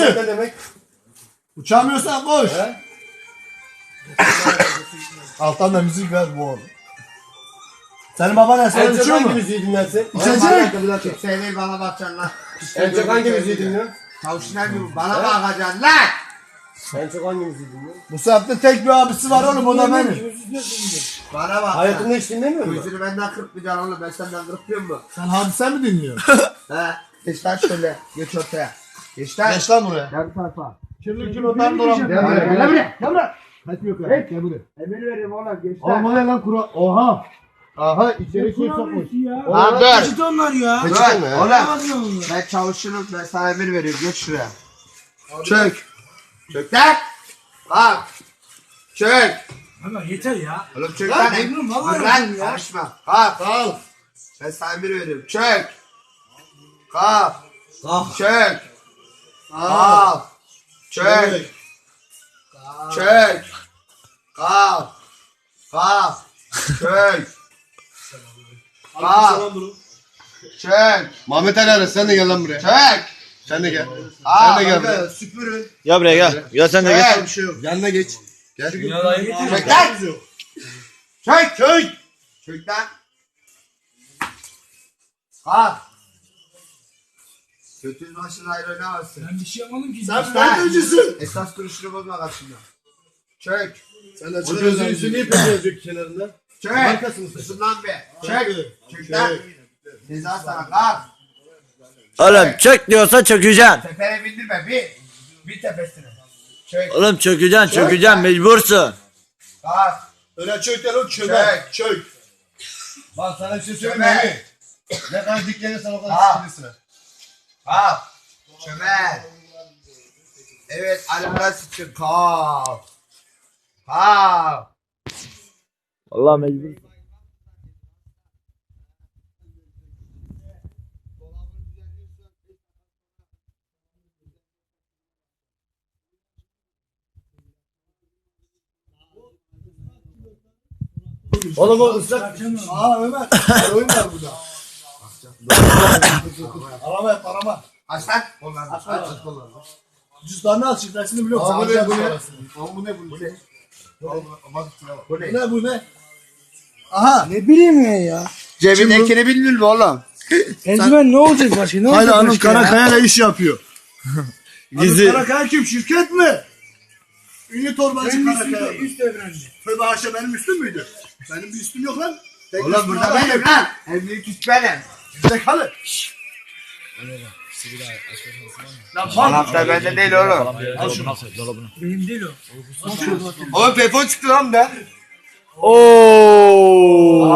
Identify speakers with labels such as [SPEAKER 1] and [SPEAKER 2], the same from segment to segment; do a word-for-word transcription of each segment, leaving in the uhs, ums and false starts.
[SPEAKER 1] Ne demek?
[SPEAKER 2] Uçamıyorsan koş. Alttan da müzik ver bu oğlum. Senin baban ne? Sen
[SPEAKER 1] En çok
[SPEAKER 2] uçuyor
[SPEAKER 1] hangi
[SPEAKER 2] mu?
[SPEAKER 1] müziği dinlersin?
[SPEAKER 2] İçecek.
[SPEAKER 3] Sen değil bana bakacaksın lan.
[SPEAKER 1] En çok hangi müziği dinliyorsun?
[SPEAKER 3] Tavşinler gibi bana bakacaksın lan.
[SPEAKER 1] En çok hangi müziği dinliyorsun?
[SPEAKER 2] Bu saatte tek bir abisi var oğlum, o da benim.
[SPEAKER 3] Bana bak.
[SPEAKER 1] Hayatında hiç dinlemiyor musun?
[SPEAKER 3] Gözünü benden kırpmayacaksın oğlum, ben senden kırpmıyor mu?
[SPEAKER 2] Sen hadise mi dinliyorsun?
[SPEAKER 3] He. Geç lan şöyle. Geç ortaya. Geç lan.
[SPEAKER 2] Geç lan buraya.
[SPEAKER 3] Gel bu tarafa.
[SPEAKER 2] Kirli kilodan dolan.
[SPEAKER 3] Gel buraya. Gel buraya. Gel buraya.
[SPEAKER 2] Kaçmıyor kadar. Gel buraya.
[SPEAKER 3] Emir vereyim oğlum. Geç
[SPEAKER 2] Oğlum o
[SPEAKER 3] lan.
[SPEAKER 2] ne lan kura? Oha. Aha içeri kim sokmuş?
[SPEAKER 3] Lan dur.
[SPEAKER 4] Git onlar ya.
[SPEAKER 3] Dur.
[SPEAKER 1] Kaçırdın mı ya?
[SPEAKER 3] Oğlum. Ben çavuşunum. Ben sana emir veriyorum. Geç şuraya. Çök. Çök lan. Bak. Çök.
[SPEAKER 4] Ama yeter ya.
[SPEAKER 3] Oğlum çök
[SPEAKER 2] Lan
[SPEAKER 3] lan.
[SPEAKER 4] memnun, vallahi
[SPEAKER 3] Dur lan.
[SPEAKER 4] memnun ya.
[SPEAKER 3] Karışma. Kalk.
[SPEAKER 2] Al.
[SPEAKER 3] Ben sana emir veriyorum. Çök. Kalk.
[SPEAKER 4] Kalk.
[SPEAKER 3] Çök. Kalk. Çök. Çök. Kalk. Kalk. Çök. Kalk. Çök.
[SPEAKER 1] Mehmet Ali Aras sen de gel lan buraya.
[SPEAKER 3] Çök.
[SPEAKER 1] Sen de gel.
[SPEAKER 3] Aa,
[SPEAKER 1] Sen de gel buraya.
[SPEAKER 3] kanka, süpürün.
[SPEAKER 5] Gel buraya gel. Gel sen de gel.
[SPEAKER 3] Çök.
[SPEAKER 1] Yanına geç. Gel.
[SPEAKER 3] Çök lan. Çök. Çök. Çök lan. Kalk. Götünün başına ayrı oynamazsın.
[SPEAKER 4] Ben bir şey yapmadım ki.
[SPEAKER 2] Sen FETÖ'cüsün.
[SPEAKER 3] Esas duruşunu bozma karşımda. Çök.
[SPEAKER 2] Sen de
[SPEAKER 1] O gözün üstü niye pek yazıyor kenarında?
[SPEAKER 3] Çök.
[SPEAKER 1] Markasını sen.
[SPEAKER 3] Susun lan be. Çök. Çök lan. Ceza sana kalk.
[SPEAKER 5] Oğlum çök diyorsa çökeceksin.
[SPEAKER 3] Tepene bindirme bir. Bir tepesine. Çök.
[SPEAKER 5] Oğlum çökeceksin çökeceksin mecbursun.
[SPEAKER 3] Kalk.
[SPEAKER 2] Öyle çök de o çömer. Çök.
[SPEAKER 1] Bak sana bir şey söyleyeyim
[SPEAKER 3] Çömel.
[SPEAKER 1] mi? Ne kadar diklenirsen o kadar
[SPEAKER 3] Ha.
[SPEAKER 1] sıkılırsın.
[SPEAKER 3] Kalk. Çömel. Evet, alara sıçın. Kalk. Kalk.
[SPEAKER 5] Allah mecbur.
[SPEAKER 1] Oğlum o ıslak.
[SPEAKER 2] Aa Ömer. Oyun var burada. Arama arama.
[SPEAKER 3] Aç lan. Kollarını.
[SPEAKER 2] Aç aç aç kollarını. Cüzdanını aç, şifresini biliyorum.
[SPEAKER 1] Aa, bu
[SPEAKER 2] Sana
[SPEAKER 1] ne, bu ne?
[SPEAKER 2] parasını.
[SPEAKER 1] Oğlum bu ne bu?
[SPEAKER 3] Bu ne?
[SPEAKER 2] Bu ne bu ne? Aha.
[SPEAKER 4] Ne bileyim ya ya.
[SPEAKER 3] Cebindekini bildin mi oğlum?
[SPEAKER 4] Eldiven ne olacak başka? Ne
[SPEAKER 2] Haydi
[SPEAKER 4] olacak
[SPEAKER 2] Anıl
[SPEAKER 4] başka ya?
[SPEAKER 2] Karakaya'yla iş yapıyor.
[SPEAKER 5] Gizli.
[SPEAKER 2] Anıl Karakaya kim? Şirket mi? Ünlü torbacı
[SPEAKER 4] Benim
[SPEAKER 2] Karakaya.
[SPEAKER 4] üstümde üst evrende.
[SPEAKER 2] Tövbe haşa, benim üstüm müydü? Benim bir üstüm yok lan. Tek
[SPEAKER 3] Oğlum
[SPEAKER 2] üstüm
[SPEAKER 3] burada
[SPEAKER 2] var.
[SPEAKER 3] benim lan. En büyük üst benim.
[SPEAKER 2] Zekalı. Lan bak.
[SPEAKER 3] Anahtar bende değil oğlum.
[SPEAKER 4] Benim değil o.
[SPEAKER 3] Oğlum telefon çıktı lan da.
[SPEAKER 5] Oo.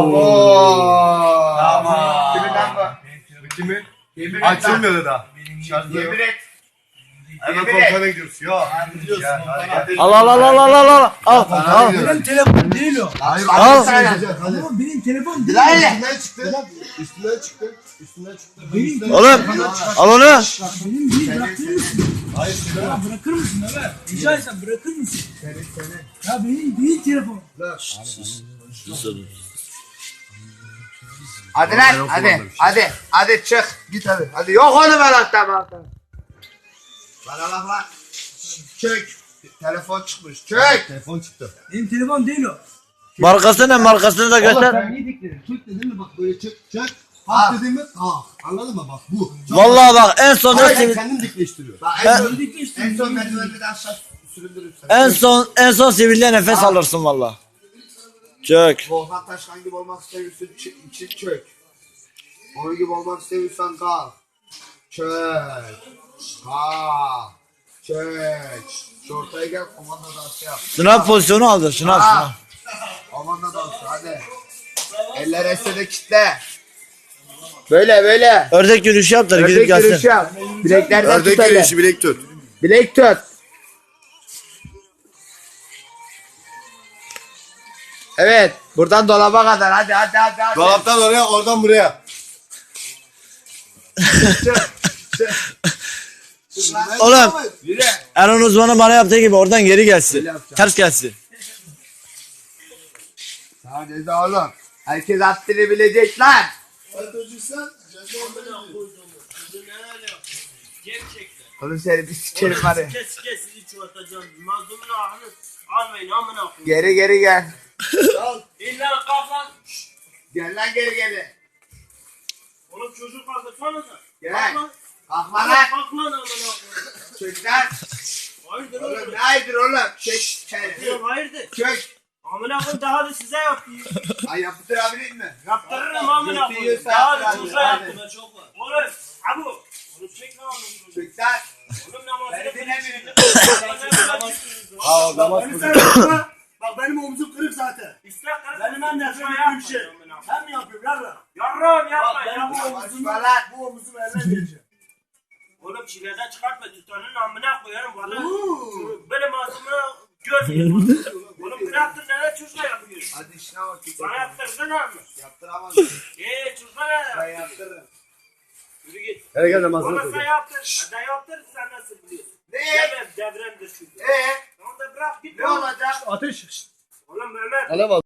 [SPEAKER 3] Tamam. Kimin lan bu?
[SPEAKER 1] Bu kimi?
[SPEAKER 3] Yemin et lan.
[SPEAKER 1] Açılmıyordu daha.
[SPEAKER 3] Yemin et.
[SPEAKER 1] Hemen
[SPEAKER 3] Yemin et.
[SPEAKER 1] komutan'a gidiyoruz. Yok.
[SPEAKER 5] Al al al al al al al. Al al.
[SPEAKER 4] Benim telefon değil o.
[SPEAKER 3] Hayır,
[SPEAKER 5] Al.
[SPEAKER 3] hadi.
[SPEAKER 4] Ama benim telefon değil.
[SPEAKER 3] Lan hele.
[SPEAKER 1] Üstünden çıktı. Üstünden çıktı. Üstünden çıktı.
[SPEAKER 4] Benim,
[SPEAKER 5] Oğlum al onu.
[SPEAKER 4] benim değil, bırakır mısın?
[SPEAKER 1] Hayır söyle.
[SPEAKER 4] Ya bırakır mısın Ömer? Rica etsem bırakır mısın? Ya benim değil telefon.
[SPEAKER 3] Hadi lan hadi. Hadi. Hadi çık. Git hadi. Hadi yok oğlum anahtar anahtar. Bana bak lan. Çök. Telefon çıkmış. Çök.
[SPEAKER 1] Telefon çıktı.
[SPEAKER 4] Benim telefon değil o.
[SPEAKER 5] Markası ne, markasını da göster.
[SPEAKER 1] Sen niye dikledin? Çök dedin mi bak böyle çök çök.
[SPEAKER 3] Ah.
[SPEAKER 1] Kalk dedin mi? Kalk. Anladın mı bak bu.
[SPEAKER 5] Vallahi bak en son
[SPEAKER 1] Hayır,
[SPEAKER 5] en,
[SPEAKER 1] kendim dikleştiriyor.
[SPEAKER 3] Bak en son,
[SPEAKER 4] Öldük işte.
[SPEAKER 3] en son merdivende de aşağı süründürürüm seni.
[SPEAKER 5] en son en son sivilde nefes alırsın vallahi. Çök.
[SPEAKER 3] Volkan Taşkan gibi olmak istiyorsan ç- için çök. Onun gibi olmak istiyorsan kalk. Çök. Kalk. Çök. Şu ortaya gel, komanda dansı yap.
[SPEAKER 5] Sınav pozisyonu aldı. Sınav sınav.
[SPEAKER 3] Ah. Komanda dansı hadi. Eller esede kitle. Böyle böyle.
[SPEAKER 5] Ördek yürüyüşü yaptılar gidip
[SPEAKER 3] Ördek yürüyüşü
[SPEAKER 5] gelsin.
[SPEAKER 3] yap. Bileklerden tut
[SPEAKER 1] Ördek
[SPEAKER 3] öyle.
[SPEAKER 1] yürüyüşü bilek tut.
[SPEAKER 3] Bilek tut. Evet. Buradan dolaba kadar. Hadi hadi hadi. hadi.
[SPEAKER 1] Dolaptan oraya oradan buraya.
[SPEAKER 3] Çık. Çık. Çık lan.
[SPEAKER 5] Oğlum
[SPEAKER 3] Yürü.
[SPEAKER 5] Erhan uzmanı bana yaptığı gibi oradan geri gelsin.
[SPEAKER 3] Öyle yapacağım.
[SPEAKER 5] Ters gelsin.
[SPEAKER 3] Hadi de oğlum. Herkes haddini bilecek lan.
[SPEAKER 2] FETÖ'cüysen ceza
[SPEAKER 3] Oğlum seni bir sikerim var ya.
[SPEAKER 6] Kes kes sizi çoğaltacağım. Mazlumun ahını almayın amına koyayım.
[SPEAKER 3] Geri geri gel.
[SPEAKER 6] İlla kalk lan.
[SPEAKER 3] Gel lan geri geri.
[SPEAKER 6] Oğlum çocuk kaldırsanıza.
[SPEAKER 3] Gel.
[SPEAKER 6] Kalk lan.
[SPEAKER 3] Kalkma
[SPEAKER 6] Kalk
[SPEAKER 3] lan.
[SPEAKER 6] kalk lan amına koyayım.
[SPEAKER 3] Çök lan.
[SPEAKER 6] Hayırdır
[SPEAKER 3] Oğlum
[SPEAKER 6] oğlum?
[SPEAKER 3] ne hayırdır oğlum? Çök. Çök.
[SPEAKER 6] Diyorum hayırdır?
[SPEAKER 3] Çök.
[SPEAKER 6] Amına koyayım daha da size yapayım.
[SPEAKER 3] Ay yaptırabilir mi?
[SPEAKER 6] Yaptırırım amına koyayım.
[SPEAKER 3] Götü
[SPEAKER 6] Daha
[SPEAKER 3] yiyorsa
[SPEAKER 6] da çocuğa
[SPEAKER 3] yaptır,
[SPEAKER 6] yaptım.
[SPEAKER 3] hadi.
[SPEAKER 6] Oğlum abu. Oğlum çek lan oğlum.
[SPEAKER 3] Çök lan.
[SPEAKER 6] Oğlum namazını
[SPEAKER 3] Beni dinlemiyorsun.
[SPEAKER 2] Ha o zaman
[SPEAKER 4] Beni sen yapma. Bak benim omzum kırık zaten.
[SPEAKER 6] İstek kırık.
[SPEAKER 4] Benim en nefret ettiğim şey. Sen mi yapıyorsun yarra?
[SPEAKER 6] Yarrağım yapma
[SPEAKER 4] Bak benim
[SPEAKER 6] yapma.
[SPEAKER 4] bu omzumu,
[SPEAKER 3] Konuşma lan.
[SPEAKER 4] bu omzumu eline vereceğim.
[SPEAKER 6] Oğlum çileden çıkartma tutanın amına koyarım valla. Böyle masumuna göz yiyin. Oğlum bıraktın neler çocukla yapıyorsun?
[SPEAKER 3] Hadi işine bak.
[SPEAKER 6] Bana yaptırdın mı?
[SPEAKER 3] Yaptıramazsın.
[SPEAKER 6] Eee çocukla
[SPEAKER 3] Ben
[SPEAKER 6] ne?
[SPEAKER 3] yaptırırım.
[SPEAKER 6] Yürü git.
[SPEAKER 1] Hele gel namazını
[SPEAKER 6] Bana
[SPEAKER 1] kıl.
[SPEAKER 6] sen yaptır. Ben yaptır sen nasıl biliyorsun?
[SPEAKER 3] Ne?
[SPEAKER 6] Demem devremdir çünkü.
[SPEAKER 3] Ee?
[SPEAKER 6] Tamam da bırak git.
[SPEAKER 3] Ne olacak?
[SPEAKER 4] Ateş.
[SPEAKER 6] Oğlum Mehmet.
[SPEAKER 2] Alev al.